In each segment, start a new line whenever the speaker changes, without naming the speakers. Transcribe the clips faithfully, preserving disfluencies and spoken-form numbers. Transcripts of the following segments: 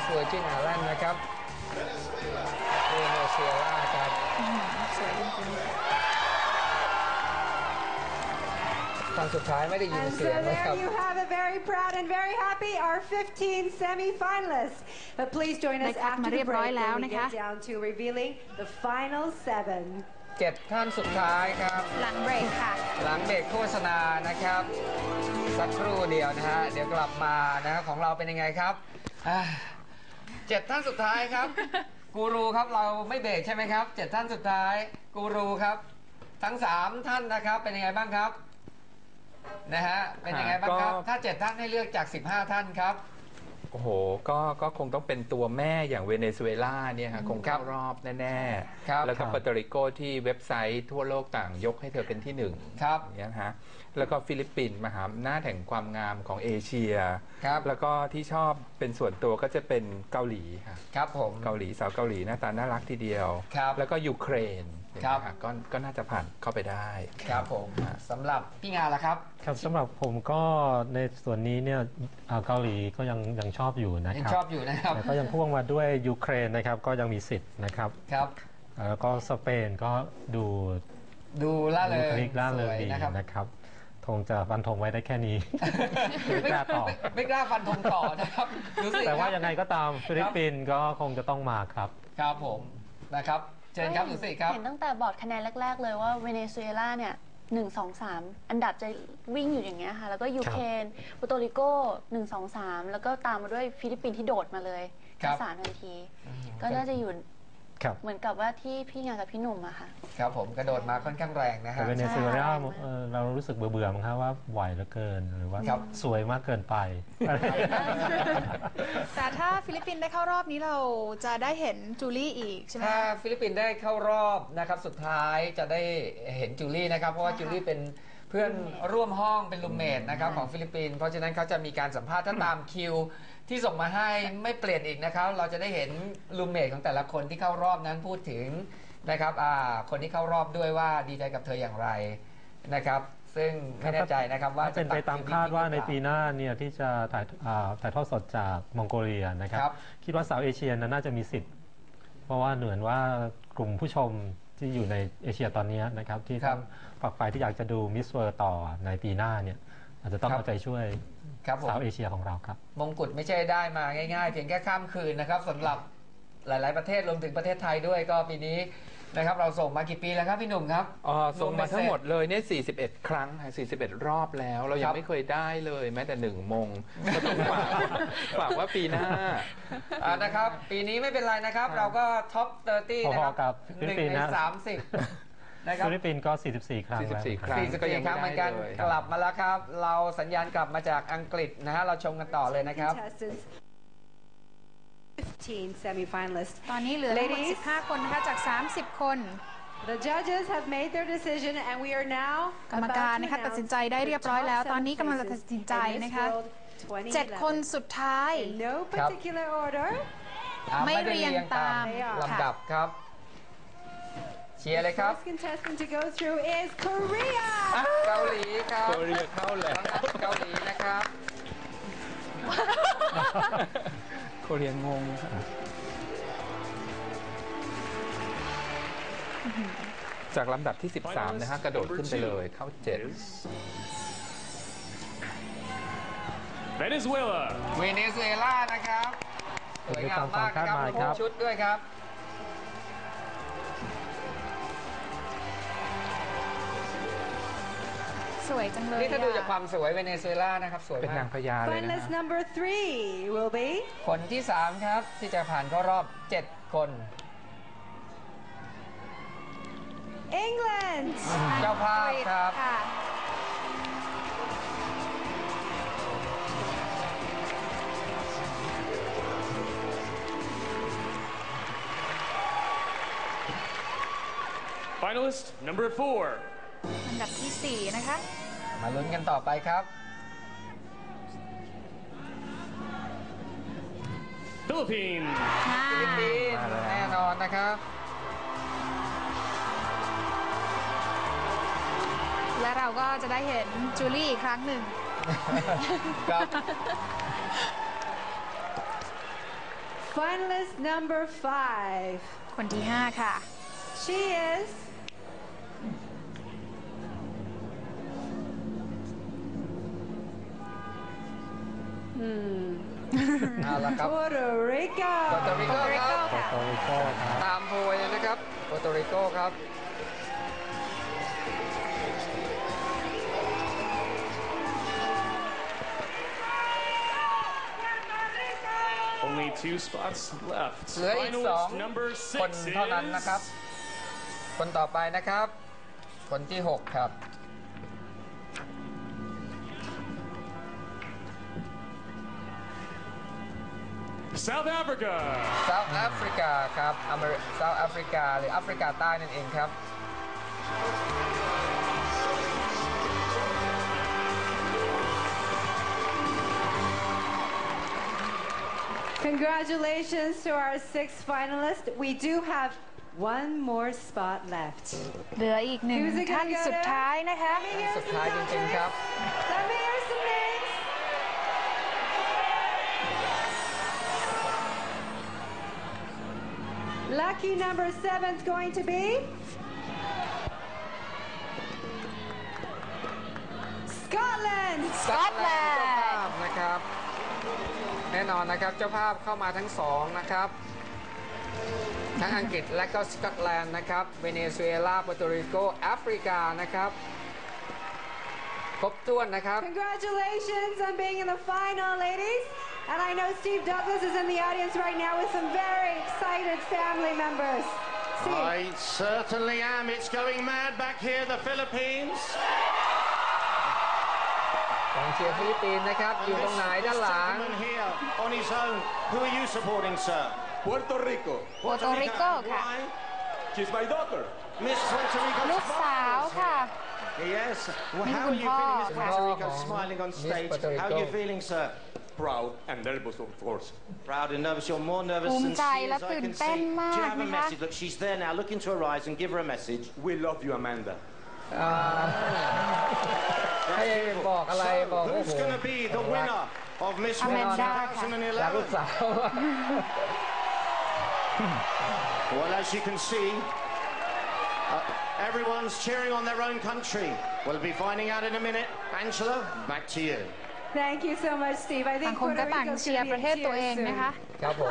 เวอร์จินไอแลนด์นะครับเวเนซุเอลาครับ
สวยจริงๆ
ตอนสุดท้ายไม่ได้ยินเสียงนะครับ
And so there you have it, very proud and very happy, our fifteen semi-finalists. But please join us after the break when we get down to revealing the final seven.
เจ็ดท่านสุดท้ายครับ
หลังเบรกค่ะ
หลังเบรกโฆษณานะครับสักครู่เดียวนะฮะเดี๋ยวกลับมานะของเราเป็นยังไงครับเจ็ดท่านสุดท้ายครับกูรูครับเราไม่เบรกใช่ไหมครับเจ็ดท่านสุดท้ายกูรูครับทั้งสามท่านนะครับเป็นยังไงบ้างครับนะฮะเป็นยังไงบ้างครับถ้าเจ็ดท่านให้เลือกจากสิบห้าท่านครับ
โอ้โหก็ก็คงต้องเป็นตัวแม่อย่างเวเนซุเอลาเนี่ยฮะคงเข้ารอบแน่ๆแล้วก็ปาโตริโกที่เว็บไซต์ทั่วโลกต่างยกให้เธอเป็นที่หนึ่ง
ครับ
เนี่ยฮะแล้วก็ฟิลิปปินส์มหาอำนาจแห่งความงามของเอเชีย
ครับ
แล้วก็ที่ชอบเป็นส่วนตัวก็จะเป็นเกาหลีค่ะ
ครับผม
เกาหลีสาวเกาหลีหน้าตาน่ารักทีเดียว
ครับ
แล้วก็ยูเครน
ครับ
ก็ก็น่าจะผ่านเข้าไปได้
ครับผมสำหรับพี่งานล่ะครับ
ครับสำหรับผมก็ในส่วนนี้เนี่ยเกาหลีก็ยังยังชอบอยู่นะค
รับยังชอบอยู่นะครับ
แต่ก็ยังพ่วงมาด้วยยูเครนนะครับก็ยังมีสิทธิ์นะครับ
ครับ
แล้วก็สเปนก็ดู
ดูล่าเริง
ล่าเริงดีนะครับคงจะฟันธงไว้ได้แค่นี้ไม่กล้าต่อ
ไม่กล้าฟันธงต่อนะครับ
แต่ว่ายังไงก็ตามฟิลิปปินส์ก็คงจะต้องมาครับ
ครับผมนะครับเชิญครับดูสิครับ
เห็นตั้งแต่บอร์ดคะแนนแรกๆเลยว่าเวเนซุเอลาเนี่ยหนึ่งสองสามอันดับจะวิ่งอยู่อย่างเงี้ยค่ะแล้วก็ยูเครนปูโตริโกหนึ่งสองสามแล้วก็ตามมาด้วยฟิลิปปินส์ที่โดดมาเลยทั้งสามทันทีก็น่าจะอยู่เหมือนกับว่าที่พี่งานกับพี่หนุ่มอะค่ะ
ครับผมกระโดดมาค่อนข้างแรงนะฮะ
แต่เวเนซุเอลาเรารู้สึกเบื่อๆมั้งครับว่าไหวเหลือเกินหรือว่าสวยมากเกินไป
แต่ถ้าฟิลิปปินส์ได้เข้ารอบนี้เราจะได้เห็นจูลี่อีกใช่ไหม
ถ้าฟิลิปปินส์ได้เข้ารอบนะครับสุดท้ายจะได้เห็นจูลี่นะครับเพราะว่าจูลี่เป็นเพื่อนร่วมห้องเป็นรูมเมทนะครับของฟิลิปปินส์เพราะฉะนั้นเขาจะมีการสัมภาษณ์ถ้าตามคิวที่ส่งมาให้ไม่เปลี่ยนอีกนะครับเราจะได้เห็นรูมเมทของแต่ละคนที่เข้ารอบนั้นพูดถึงนะครับคนที่เข้ารอบด้วยว่าดีใจกับเธออย่างไรนะครับซึ่งไม่แน่ใจนะครับว่า
เป็นไปตามคาดว่าในปีหน้าเนี่ยที่จะถ่ายถ่ายทอดสดจากมองโกเลียนะครับคิดว่าสาวเอเชียน่าจะมีสิทธิ์เพราะว่าเหมือนว่ากลุ่มผู้ชมที่อยู่ในเอเชียตอนนี้นะครับที่ต้องฝักใฝ่ที่อยากจะดูมิสเวิร์ต่อในปีหน้าเนี่ยอาจจะต้องเอาใจช่วยสาวเอเชียของเราครับ
มงกุฎไม่ใช่ได้มาง่ายๆเพียงแค่ข้ามคืนนะครับสำหรับหลายๆประเทศรวมถึงประเทศไทยด้วยก็ปีนี้นะครับเราส่งมากี่ปีแล้วครับพี่หนุ่มครับ
อ๋อส่งมาทั้งหมดเลยเนี่ยสี่สิบเอ็ดครั้งสี่สิบเอ็ดรอบแล้วเรายังไม่เคยได้เลยแม้แต่หนึ่งมงก็ต้องฝากฝากว่าปีหน้า
นะครับปีนี้ไม่เป็นไรนะครับเราก็ท็อปสามสิบนะครับหนึ่งในสามสิบ
ฟิลิปปินส์ก็สี่สิบสี่ครั้งแล้ว
สี่สิบสี่ครั้ง
ก็ยังครั้งเหมือนกันกลับมาแล้วครับเราสัญญาณกลับมาจากอังกฤษนะฮะเราชมกันต่อเลยนะครับ
fifteen semi-finalists
ตอนนี้เหลือทั้งหมดสิบห้าคนนะคะจากสามสิบคน
The judges have made their decision and we are now
กรรมการนะคะตัดสินใจได้เรียบร้อยแล้วตอนนี้กำลังจะตัดสินใจนะคะเจ็ดคนสุดท้าย
No particular order
ไม่เรียงตาม
ลำดับครับเชียร์เลยครับ
First contestant to go through is Korea
เกาหลีครับ
เกาหลีเข้าแล้ว
เกาหลีนะครับ
โคเรียนงงจากลำดับที่สิบสามนะฮะกระโดดขึ้นไปเลยเข้าเจ็ด
เวเนซุเอลาเวเนซุเอลานะครับสวยงามมากนะครับชุดด้วยครับ
สวยจังเลย
นี่ถ้าดูจากความสวยเวเนซุเอลานะครับสวยมาก
เป็นนางพญาเลยนะ
Finalist number three will be
คนที่สามครับที่จะผ่านเข้ารอบเจ็ดคน
England
เจ้าภาพครับ
Finalist number four
อันดับที่สี่นะคะ
มาลุ้นกันต่อไปครับ
ฟิลิปปินส์
ฟิลิปปินส์แน่นอนนะครับ
และเราก็จะได้เห็นจูลี่อีกครั้งหนึ่ง
ครับ
Finalist number five.
คนที่ห้าค่ะ
She is Hmm.
เอาละครับ
Puerto Rico.
โปรโตริโกครับ
โปรโตริโกครับ
ตามโพยเลยนะครับโปรโตริโกครับ
Only two spots left.
เหลืออีกสอง
Finalist number
คน
six
เท่านั้น
is
นะครับ คนต่อไปนะครับ คนที่หกครับ
South Africa.
South Africa ครับอเมริกา South Africa หรือแอฟริกาใต้นั่นเองครับ
Congratulations to our six finalists. We do have one more spot left.
เหลืออีกหนึ่ง
Who's it gonna
ท่าน
go to?
สุดท้ายนะคะ
Let me hear
สุด
some
ท้ายจริงๆครับ
names. Let me hear some names. Lucky number seven is going to be Scotland.
สกอตแลนด์เจ้าภาพนะครับ แน่นอนนะครับเจ้าภาพเข้ามาทั้งสองนะครับ ทั้งอังกฤษและก็สกอตแลนด์นะครับ เวเนซุเอลา โปรโตริโก แอฟริกานะครับ ครบถ้วนนะครับ
Congratulations on being in the final, ladies. And I know Steve Douglas is in the audience right now with some very excited family members. Steve.
I certainly am. It's going mad back here, the Philippines.
กองเชียร์ฟิลิปปินส์นะครับ อยู่ตรงไหนด้านหลัง
gentleman here on his own. Who are you supporting, sir?
Puerto Rico.
Puerto Rico ค่ะ
Why?
She's my daughter.
Miss Puerto Rico.
ลูกสาวค่ะ
Yes. Well,
Miss
how are you feeling, Miss
Puerto
Puerto
Rico.
Rico, smiling on
Miss
stage?
Puerto
How are you
Rico.
feeling, sir?
Proud and nervous, of course.
Proud and nervous. You're more nervous
ภูมิ
than
ใจ
she
และ
is. I
ตื่น
can
เต้น
see.
มา
Do you
ก
have a
นะคะ
message? Look, she's there now. Look into her eyes and give her a message.
We love you, Amanda.
อ่าให้บอกอะไรบอก
So,
โอ้โห
who's going to be the winner of Miss World
Amanda.
รักลูก
twenty eleven?
สาว
Well, as you can see, uh, everyone's cheering on their own country. We'll be finding out in a minute. Angela, back to you.
Thank you so much, Steve. I
ต่าง
think
คน
Puerto
ก็ต่าง
Rico's
เชียร์
going
ป
to
ระ
be
เทศ
in
ตัวเอง
tears
นะคะ
soon.
ครับผม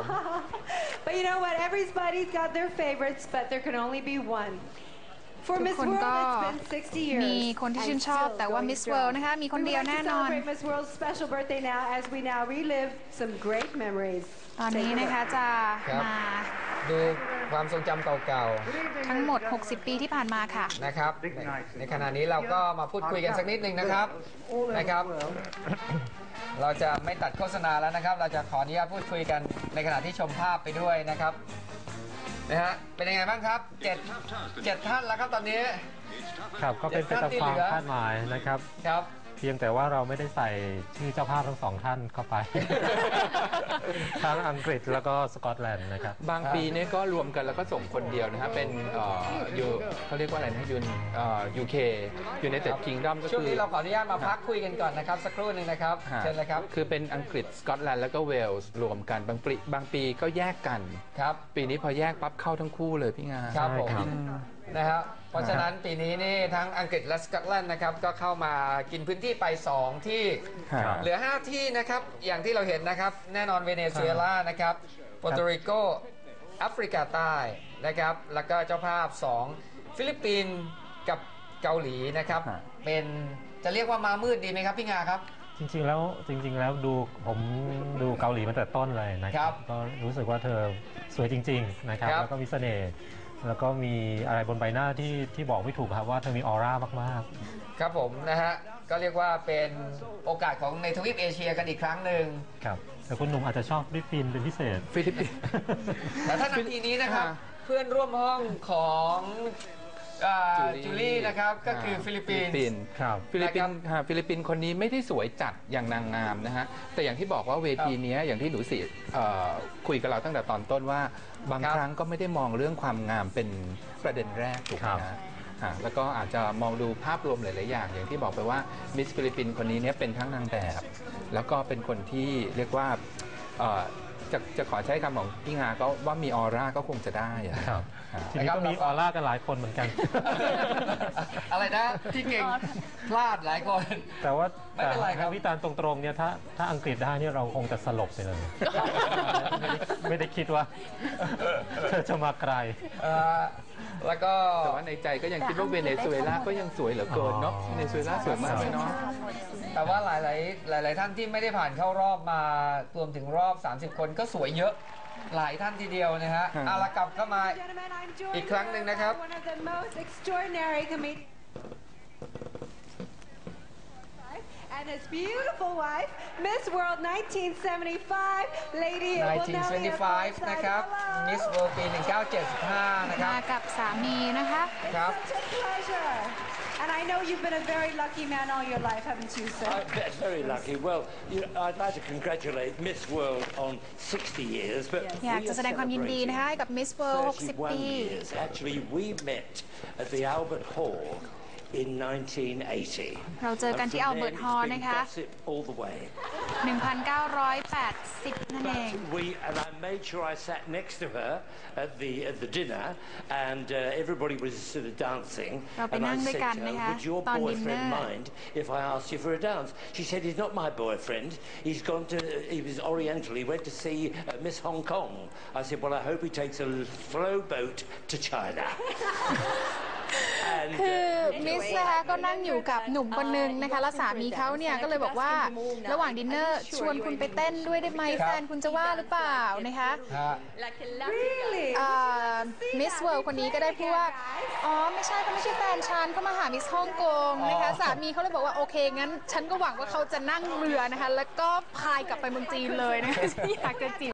But you know what? Everybody's got their favorites, but there can only be one. For
ทุก
Miss
คน
World,
ก็
it's been sixty years.
มีคนที่ชื่นชอบ
and
แต่ว่า
still
Miss
going
World
strong.
นะคะมีคน
We
เดียว
would like
แน่
to
นอน
celebrate Miss World's special birthday now as we now relive some great memories.
ตอนนี้นะคะจะ
ครับ
มา
ดูความทรงจำเก่า
ทั้งหมด หกสิบ ปีที่ผ่านมาค่ะ
ๆนะครับ ในในขณะนี้เราก็มาพูดคุยกันสักนิดหนึ่งนะครับนะครับ เราจะไม่ตัดโฆษณาแล้วนะครับ เราจะขออนุญาตพูดคุยกันในขณะที่ชมภาพไปด้วยนะครับนะฮะเป็นยังไงบ้างครับเจ็ดเจ็ดท่านแล้วครับตอนนี้
ครับก็เป็นไปตามความคาดหมายนะครับ
ครับ
เพียงแต่ว่าเราไม่ได้ใส่ชื่อเจ้าภาพทั้งสองท่านเข้าไป ทั้งอังกฤษแล้วก็สกอตแลนด์นะครับ
บางปีเนี่ยก็รวมกันแล้วก็ส่งคนเดียวนะฮะเป็นเอ่อยูเขาเรียกว่าอะไรนะยูนเอ่อ ยู เค United Kingdom ก็คือ
ช่วงนี้เราขออนุญาตมาพักคุยกันก่อนนะครับ สักครู่หนึ่งนะครับ
ฮะ
เชิญเลยครับ
คือเป็นอังกฤษสกอตแลนด์แล้วก็เวลส์รวมกันบางปีบางปีก็แยกกัน
ครับ
ปีนี้พอแยกปั๊บเข้าทั้งคู่เลยพี่งา
ครับผม
ใช่ครับ
นะครับเพราะฉะนั้นปีนี้นี่ทั้งอังกฤษและสกอตแลนด์นะครับก็เข้ามากินพื้นที่ไป สอง ที่
ครับ
เหลือ ห้า ที่นะครับอย่างที่เราเห็นนะครับแน่นอนเวเนซุเอลานะครับโปรโตริโกแอฟริกาใต้นะครับแล้วก็เจ้าภาพ สอง ฟิลิปปินส์กับเกาหลีนะครับ
ฮะ
เป็นจะเรียกว่ามามืดดีไหมครับพี่งาครับ
จริงๆแล้วจริง ๆ แล้วดูผมดูเกาหลีมาแต่ต้นเลยนะค
ครั
รับ บก็รู้สึกว่าเธอสวยจริง ๆ นะครับ
ครับ
แล้วก็มีเสน่ห์แล้วก็มีอะไรบนใบหน้าที่ที่บอกไม่ถูกครับว่าเธอมีออร่ามาก
ครับผมนะฮะก็เรียกว่าเป็นโอกาสของในทวีปเอเชียกันอีกครั้งหนึ่ง
ๆครับแต่คุณหนุ่มอาจจะชอบฟิลิปปินส์เป็นพิเศษ
ฟิลิปปินส์
แต่ถ้านาทีนี้นะครับ
ฮะ
เพื่อนร่วมห้องของอ่า
จูลี่
จูลี่นะครับก็คือฟิลิปปินส์
ครับ
ฟิลิปปินส์ฮะฟิลิปปินส์คนนี้ไม่ได้สวยจัดอย่างนางงามนะฮะแต่อย่างที่บอกว่าเวทีเนี้ยอย่างที่หนูสิเอ่อคุยกับเราตั้งแต่ตอนต้นว่าบาง
ครับ
ครั้งก็ไม่ได้มองเรื่องความงามเป็นประเด็นแรกถูกไหม
ครับ
ฮะฮะแล้วก็อาจจะมองดูภาพรวมหลาย ๆ อย่าง อย่างที่บอกไปว่ามิสฟิลิปปินส์คนนี้เนี่ยเป็นทั้งนางแบบ แล้วก็เป็นคนที่เรียกว่าเอ่อจะจะขอใช้คำของพี่งาก็ว่ามีออร่าก็คงจะได้อะ
ครับ
ครับ
ทีนี้ก็มีออร่ากันหลายคนเหมือนกัน
อะไรนะที่เก่งพลาดหลายคน
แต่ว่า
ไม่เป็นไรครับ
วิจารณ์ตรงๆเนี่ยถ้าถ้าอังกฤษได้เนี่ยเราคงจะสลบไปเลย ไม่ได้ไม่ได้คิดว่าเธอจะมาไกล
เอ่อแล้วก็
แต่ว่าในใจก็ยังคิดว่าเวเนซุเอลาก็ยังสวยเหลือเกินเนาะ
อ๋อ
เวเนซุเอลาสวยมากเลยเนาะ
แต่ว่าหลายๆหลาย ๆ ท่านที่ไม่ได้ผ่านเข้ารอบมารวมถึงรอบ สามสิบ คนก็สวยเยอะหลายท่านทีเดียวนะฮะ
ครับ
เอาละกลับเข้ามา
Gentlemen, I'm joined
อีกครั้งหนึ่งนะครับ
by one of the most extraordinary comedians and his beautiful wife, Miss World nineteen seventy-five, Lady
หนึ่งพันเก้าร้อยเจ็ดสิบห้า นะครับ Miss World ปี หนึ่งพันเก้าร้อยเจ็ดสิบห้า นะครับ
มากับสามีนะคะ
ครับ
Such a pleasure. And I know you've been a very lucky man all your life, haven't you, sir?
I'm ve- very lucky. Well, you know, I'd like to congratulate Miss World on sixty years, but
อยาก
we
จะ
are
แสดงความยินดีนะคะให้กับ Miss World หกสิบ
thirty-one
ปี
years. Actually, we met at the Albert Hall in nineteen eighty.
เราเจอกันที่
And from
Albert
then,
Hall
it's been
นะคะ
gossip all the way.
หนึ่งพันเก้าร้อยแปดสิบ นั่นเอง
But we and I made sure I sat next to her at the at the dinner, and uh, everybody was sort of dancing.
เราไป
And
นั่
I
งด้วย
said
กัน
to her,
นะคะ
"Would your
ตอนดินเนอ
boyfriend
ร์
mind if I asked you for a dance?" She said, "He's not my boyfriend. He's gone to he was Oriental. He went to see uh, Miss Hong Kong." I said, "Well, I hope he takes a slow boat to China." And,
คือ
uh,
มิสนะคะก็นั่งอยู่กับหนุ่มคนนึงนะคะ แล้วสามีเขาเนี่ยก็เลยบอกว่าระหว่างดินเนอร์ชวนคุณไปเต้นด้วยได้ไหม
ครับ
แฟนคุณจะว่าหรือเปล่านะคะ
ฮะ
Really?
มิสเวิลด์คนนี้ก็ได้พูดว่า อ๋อ ไม่ใช่เขาไม่ใช่แฟนฉันเขามาหามิสฮ่องกงนะคะ
อ๋อ
สามีเขาเลยบอกว่า โอเค งั้น ฉันก็หวังว่าเขาจะนั่งเรือนะคะ แล้วก็พายกลับไปเมืองจีนเลยนะคะ ฉันอยากจะจีบ